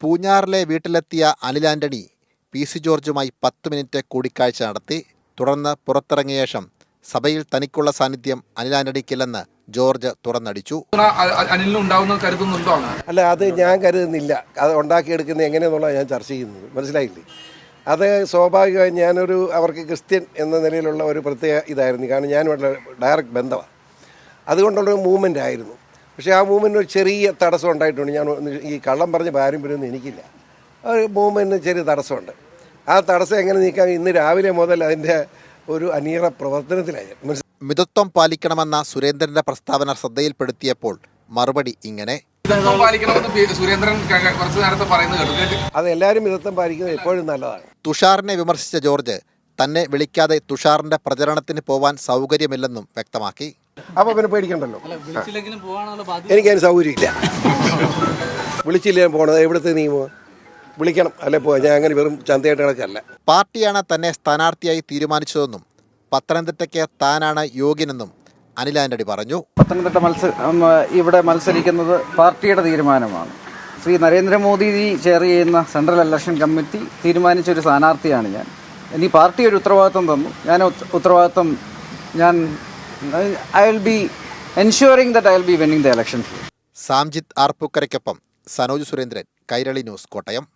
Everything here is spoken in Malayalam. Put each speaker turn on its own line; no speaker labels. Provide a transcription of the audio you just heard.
പൂഞ്ഞാറിലെ വീട്ടിലെത്തിയ അനിൽ ആന്റണി പി.സി. ജോർജുമായി 10 മിനിറ്റ് കൂടിക്കാഴ്ച നടത്തി. തുടർന്ന് പുറത്തിറങ്ങിയ ശേഷം സഭയിൽ തനിക്കുള്ള സാന്നിധ്യം അനിൽ ആന്റണിക്കില്ലെന്ന് ജോർജ് തുറന്നടിച്ചു.
അല്ല, അത് ഞാൻ കരുതുന്നില്ല. അത് ഉണ്ടാക്കിയെടുക്കുന്നത് എങ്ങനെയെന്നുള്ളത് ഞാൻ ചർച്ച ചെയ്യുന്നത്, മനസ്സിലായില്ലേ? അത് സ്വാഭാവികമായി അവർക്ക് ക്രിസ്ത്യൻ എന്ന നിലയിലുള്ള ഒരു പ്രത്യേക ഇതായിരുന്നു. കാരണം ഞാനുമായിട്ടുള്ള ഡയറക്റ്റ് ബന്ധമാണ്. അതുകൊണ്ടുള്ളൊരു മൂവ്മെൻ്റ് ആയിരുന്നു. പക്ഷേ ആ മൂവ്മെൻറ്റിന് ഒരു ചെറിയ തടസ്സം ഉണ്ടായിട്ടുണ്ട്. ഞാൻ ഈ കള്ളം പറഞ്ഞ് പാരമ്പര്യമൊന്നും എനിക്കില്ല. ഒരു മൂവ്മെൻറ്റിന് ചെറിയ തടസ്സമുണ്ട്. ആ തടസ്സം എങ്ങനെ നീക്കാൻ ഇന്ന് രാവിലെ മുതൽ അതിൻ്റെ ഒരു അനീറ പ്രവർത്തനത്തിലായി.
മിതത്വം പാലിക്കണമെന്ന സുരേന്ദ്രന്റെ പ്രസ്താവന ശ്രദ്ധയിൽപ്പെടുത്തിയപ്പോൾ മറുപടി ഇങ്ങനെ:
അത് എല്ലാവരും മിതത്വം പാലിക്കുന്നത് എപ്പോഴും നല്ലതാണ്.
തുഷാറിനെ വിമർശിച്ച ജോർജ് തന്നെ വിളിക്കാതെ തുഷാറിന്റെ പ്രചരണത്തിന് പോവാൻ സൗകര്യമില്ലെന്നും വ്യക്തമാക്കി.
അപ്പോൾ പിന്നെ പേടിക്കണ്ടല്ലോ, എനിക്കതിന് സൗകര്യമില്ല. വിളിച്ചില്ല പോകണത് എവിടുത്തെ നിയമം? വിളിക്കണം, അല്ലെ പോവാ. ഞാൻ അങ്ങനെ വെറും ചന്തയായിട്ട് കിടക്കല്ല.
പാർട്ടിയാണ് തന്നെ സ്ഥാനാർത്ഥിയായി തീരുമാനിച്ചതെന്നും പത്തനംതിട്ടയ്ക്ക് താനാണ് യോഗ്യനെന്നും അനിൽ ആന്റണി പറഞ്ഞു.
പത്തനംതിട്ട ഇവിടെ മത്സരിക്കുന്നത് പാർട്ടിയുടെ തീരുമാനമാണ്. ശ്രീ നരേന്ദ്രമോദി ചെയർ ചെയ്യുന്ന സെൻട്രൽ ഇലക്ഷൻ കമ്മിറ്റി തീരുമാനിച്ചൊരു സ്ഥാനാർത്ഥിയാണ് ഞാൻ. ഇനി പാർട്ടി ഒരു ഉത്തരവാദിത്വം തന്നു. I will be ensuring that I will be winning the election.
Samjith ആർപ്പൂക്കരയ്ക്കൊപ്പം സനോജ് സുരേന്ദ്രൻ, കൈരളി ന്യൂസ്, കോട്ടയം.